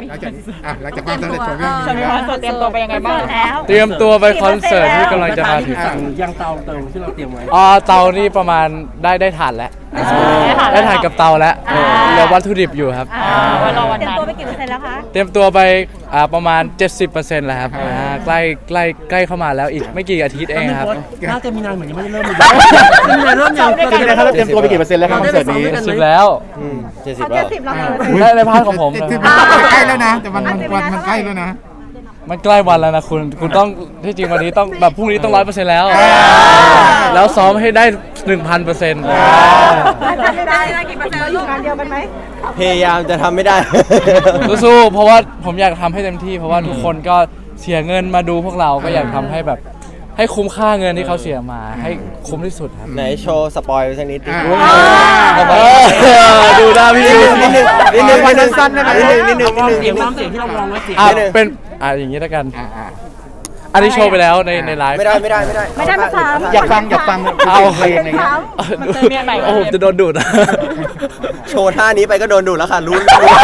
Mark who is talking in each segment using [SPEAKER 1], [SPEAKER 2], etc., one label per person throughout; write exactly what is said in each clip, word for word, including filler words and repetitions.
[SPEAKER 1] หลังจากอ่ะหลังจากความสำเร็จของเรื่อง
[SPEAKER 2] จะมี
[SPEAKER 1] นี้
[SPEAKER 2] คอนเสิร์ตเตรียมตัวไปยังไงบ้างแล้ว
[SPEAKER 3] เตรียมตัวไปคอนเสิร์ตที่กำลังจะมาถึง
[SPEAKER 4] สั่งยังเตาเติมที่เราเตรียมไว้
[SPEAKER 3] อ๋อเตานี่ประมาณได้ได้ถ่านแล้วได้ถ่านกับเตาแล้วเหลือวัตถุดิบอยู่ครับ
[SPEAKER 2] ไว้รอวัน
[SPEAKER 5] เตรียม
[SPEAKER 2] นั้น
[SPEAKER 5] ตัวไปกี่เปอร์เซ็นต์แล้วคะ
[SPEAKER 3] เตรียมตัวไปอ่าประมาณ เจ็ดสิบเปอร์เซ็นต์ แล้วครับอ่าใกล้ใกล้ใกล้เข้ามาแล้วอีกไม่กี่อาทิตย์เองครับ
[SPEAKER 4] น่าจะมีนานเหมือนยังไม่ได้เริ่มเลยมีนานเริ่มยัง
[SPEAKER 1] เป็นไงครับเราเตรียมตัวไปกี่เปอร์เซ็นต์แล้วครับคอนเสิร์ตนี้
[SPEAKER 3] สิบแล้ว
[SPEAKER 6] เจ็ดสิบ
[SPEAKER 5] เขา
[SPEAKER 6] แล้
[SPEAKER 5] เจ็ด
[SPEAKER 6] ว
[SPEAKER 5] สิบแล้วค่ะ
[SPEAKER 3] ได้ในพาร์ทของผม
[SPEAKER 1] ที่
[SPEAKER 3] นะ
[SPEAKER 1] มันใกล้แล้วนะแต่มันมันวันมันใกล้แล้วนะ
[SPEAKER 3] มันใกล้วันแล้วนะคุณคุณต้องที่จริงวันนี้ต้องแบบพรุ่งนี้ต้องร้อยเปอร์เซ็นต์แล้ว แล้วซ้อมให้ได้ หนึ่งพันเปอร์เซ็นต์
[SPEAKER 5] ทำไม่ได้นะกี่เปอร์เซ็นต์แล้วลูกงานเดียวกันไหม
[SPEAKER 6] พยายามจะทำไม่ได้
[SPEAKER 3] สู้ๆเพราะว่าผมอยากทำให้เต็มที่ เพราะว่าทุกคนก็เสียเงินมาดูพวกเราก็อยากทำให้แบบให้คุ้มค่าเงินที่เขาเสียมาให้คุ้มที่สุดครับ
[SPEAKER 6] ไหนโชว์สปอยล์สักนิดดิ
[SPEAKER 1] อ่า
[SPEAKER 3] เออดูหน้าพี่
[SPEAKER 6] นิดนึงนิดนึงนิดนึง
[SPEAKER 1] สั้นๆได้ไหม
[SPEAKER 6] นิดนึงนิดนึงนิดนึง
[SPEAKER 4] เสียงน้ำเสียงที่เราลองไว้เสียง
[SPEAKER 3] อ่ะเป็นอ่ะอย่างนี้แล้วกัน
[SPEAKER 1] อ่าอ่า
[SPEAKER 3] อันนี้โชว์ไปแล้วในในไลฟ์
[SPEAKER 6] ไม่ได้ไม่ได้ไม่ได้
[SPEAKER 5] ไม่ได้มาสาม
[SPEAKER 1] อยากฟังอยากฟัง
[SPEAKER 3] เอา
[SPEAKER 1] เพลงอะไรเงี้ย
[SPEAKER 2] มันเจอเมียใหม่
[SPEAKER 3] โอ้โหจะโดนดูด
[SPEAKER 6] โชว์ท่านี้ไปก็โดนดูดแล้วค่ะรู้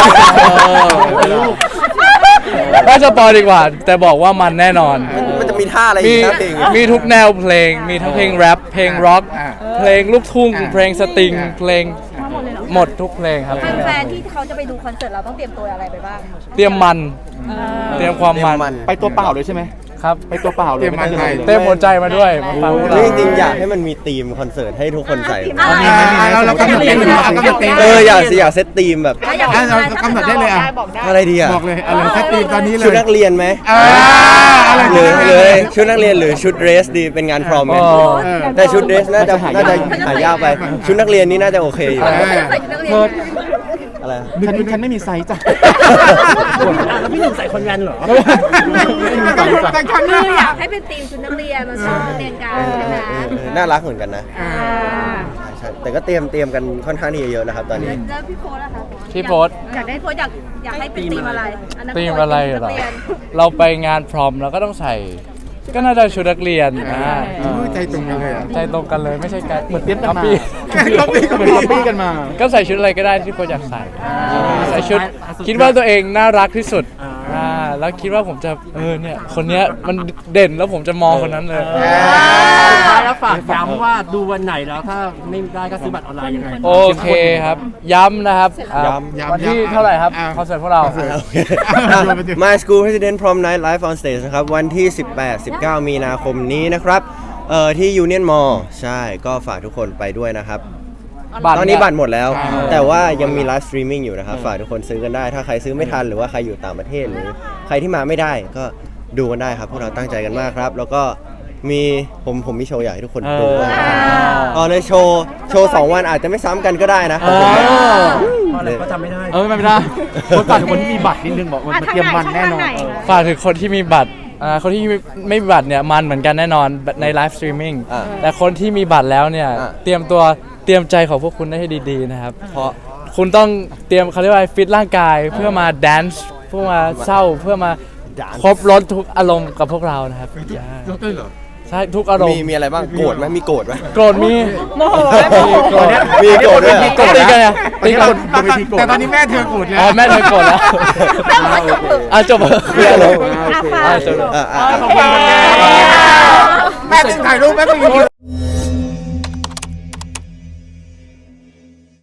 [SPEAKER 3] น่าจะปอยดีกว่า แต่บอกว่ามันแน่นอน
[SPEAKER 6] มันจะมีท่าอะไร
[SPEAKER 3] มี
[SPEAKER 6] อีกนะเพลง
[SPEAKER 3] มีทุกแนวเพลง มีทั้งเพลงแรปเพลงร็อก
[SPEAKER 1] อ่า
[SPEAKER 3] เพลงลูกทุ่ง
[SPEAKER 1] อ่า
[SPEAKER 3] เพลงสตริง
[SPEAKER 1] อ่า
[SPEAKER 3] เพลงหมดทุกเพลงครับ
[SPEAKER 5] แฟนๆที่เขาจะไปดูคอนเสิร์ตเราต้องเตรียมตัวอะไรไปบ้าง
[SPEAKER 3] เตรียมมัน เตรียมความ
[SPEAKER 6] เตรีย
[SPEAKER 3] มั
[SPEAKER 6] ม
[SPEAKER 3] น
[SPEAKER 6] มัน
[SPEAKER 7] ไปตัวเปล่าเลยใช่ไหม
[SPEAKER 3] ครับ
[SPEAKER 7] ไปตัวเปล่าเลย
[SPEAKER 1] เตรียมมันไทย
[SPEAKER 3] เต็มหัวใจมาด้วยมาฟังพวกเรา
[SPEAKER 6] จริงๆอยากให้มันมีธีมคอนเสิร์ตให้ทุกคนใส่
[SPEAKER 5] อ่า
[SPEAKER 1] อ่าเราเรากำหนดได้เลยเอากำหนดเต็ม
[SPEAKER 6] เอออยากสิอยากเซตธีมแบบ
[SPEAKER 5] แล้วอยาก
[SPEAKER 1] อ่ะเรากำหนดได้เลยอ่ะ
[SPEAKER 2] บอกได้
[SPEAKER 6] อะไรดีอ่ะ
[SPEAKER 1] บอกเลยอะไรสักทีตอนนี้เลย
[SPEAKER 6] ชุดนักเรียนไหม
[SPEAKER 1] อ่าอะไร
[SPEAKER 6] หรือ
[SPEAKER 1] ดี
[SPEAKER 6] เลยชุดนักเรียนหรือชุดเดรสดีเป็นงานพรอมไหม
[SPEAKER 3] อ๋อ
[SPEAKER 6] แต่ชุดเดรสน่าจะน่าจะหายากไป ชุดนักเรียนนี่น่าจะโอเคอยู่
[SPEAKER 1] เออ
[SPEAKER 5] ใส่ชุดนักเรีย
[SPEAKER 7] เพิร์
[SPEAKER 5] น
[SPEAKER 7] ด
[SPEAKER 6] อะไร
[SPEAKER 7] ฉันฉันไม่มีไซส์จ้ะ
[SPEAKER 4] แล้วพี่หนึ่งใส่คอนแวนเหรอ
[SPEAKER 1] แต่ครั้ง
[SPEAKER 5] คื
[SPEAKER 1] นี้
[SPEAKER 5] ออยากให้เป็นทีมชุดนักเรียนมาซ้อมนักเรียนกันใช่ไหม
[SPEAKER 6] เออเออน่ารักเหมือนกันนะ
[SPEAKER 1] อ่า
[SPEAKER 6] ใช่ใช่แต่ก็เตรียมเตรียมกันค่อนข้างที่จะเยอะนะครับตอนนี้
[SPEAKER 5] แล้วพี่โค้ดล่ะคะ
[SPEAKER 3] พี่โพสต์
[SPEAKER 5] อยากได้โค้ดอยากอยากให้เป็นทีมอะไรอันนั้น
[SPEAKER 3] ธีมอะไรเหรอ
[SPEAKER 5] นักเรียน
[SPEAKER 3] เราไปงานพรอมเราก็ต้องใส่ ก็น่าจะชุดนักเรียนอ่า
[SPEAKER 1] ใจตรงกันเลยอ่ะ
[SPEAKER 3] ใจตรงกันเลยไม่ใช่การ
[SPEAKER 7] เหมือนเตรียมกันมา
[SPEAKER 3] ปี้
[SPEAKER 1] ก๊อปปี้ก๊อป
[SPEAKER 7] เหมือน
[SPEAKER 1] ปี้
[SPEAKER 7] ก๊อปปี้กันมา
[SPEAKER 3] ก็ใส่ชุดอะไรก็ได้ที่คนอยากใส่ใส่ชุดคิดว่าตัวเองน่ารักที่สุดอ่าแล้วคิดว่าผมจะเออเนี่ยคนเนี้ยมันเด่นแล้วผมจะมองคนนั้นเลย
[SPEAKER 4] สุดท้ายแล้วฝากย้ำว่าดูวันไหนแล้วถ้าไม่ได้ก็ซื้อบัตรออนไลน์ยังไง
[SPEAKER 3] โอเคครับ ย้ำนะครับอ่า
[SPEAKER 6] ย้ำ
[SPEAKER 3] วันที่เท่าไหร่ครับคอนเสิร์ตพวกเรา
[SPEAKER 6] โอเคอ่ะ My School President Prom Night Live on Stage นะครับ วันที่ สิบแปด สิบเก้า มีนาคมนี้นะครับ เอ่อที่ Union Mall ใช่ก็ฝากทุกคนไปด้วยนะครับ ตอนนี้บัตรหมดแล้ว แต่ว่ายังมีไลฟ์สตรีมมิ่งอยู่นะครับ ฝากทุกคนซื้อกันได้ ถ้าใครซื้อไม่ทันหรือว่าใครอยู่ต่างประเทศหรือใครที่มาไม่ได้ก็ดูกันได้ครับ พวกเราตั้งใจกันมากครับ แล้วก็มีผมผมมีโชว์อยากให้ทุกคนดูมากตอนในโชว์โชว์สองวันอาจจะไม่ซ้ำกันก็ได้นะ
[SPEAKER 3] เออ
[SPEAKER 4] เพราะอะไรก็จำไม่ได้
[SPEAKER 3] เออไม่ได้
[SPEAKER 7] คนฝากถึงคนที่มีบัตรนิดนึงบอกว่ามันเตรียมมันแน่นอน
[SPEAKER 3] ฝากถึงคนที่มีบัตรอ่าคนที่ไม่มีบัตรเนี่ยมันเหมือนกันแน่นอนในไลฟ์สตรีมมิ่ง
[SPEAKER 6] อ่า
[SPEAKER 3] แต่คนที่มีบัตรแล้วเนี่ย
[SPEAKER 6] อ่า
[SPEAKER 3] เตรียมตัวเตรียมใจของพวกคุณได้ให้ดีๆนะครับ
[SPEAKER 6] เพราะ
[SPEAKER 3] คุณต้องเตรียมเขาเรียกว่าฟิตร่างกายเพื่อมาแดนซ์เพื่อมาเศร้าเพื่อมา
[SPEAKER 6] dance
[SPEAKER 3] ครบรถทุกอารมณ์กับพวกเรานะครับ
[SPEAKER 1] ยกด้วยเหรอ
[SPEAKER 3] ใช่ทุกอารม
[SPEAKER 6] มี
[SPEAKER 3] ณ์
[SPEAKER 6] มีอะไรบ้างโกรธไหมมีโกรธไหม
[SPEAKER 3] โกรธมี
[SPEAKER 2] โมโหไม่โมโห
[SPEAKER 3] โกรธ
[SPEAKER 6] มีโกรธด้วย
[SPEAKER 3] มีโกรธตีกันไงตีกัน
[SPEAKER 1] แต่ตอนนี้แม่เธอโกรธแล้ว
[SPEAKER 3] อ๋อแม่เธอโกรธแล้ว
[SPEAKER 5] แม่บอกว่าจบเถอะ
[SPEAKER 3] อ่ะจบ
[SPEAKER 6] เรื่องเรา
[SPEAKER 5] อ่ะฝาก
[SPEAKER 3] อ่ะจบ
[SPEAKER 6] อ่ะอ่ะ
[SPEAKER 3] ขอบคุณครับ
[SPEAKER 1] แม่ถ่ายรูปแม่ไม่มี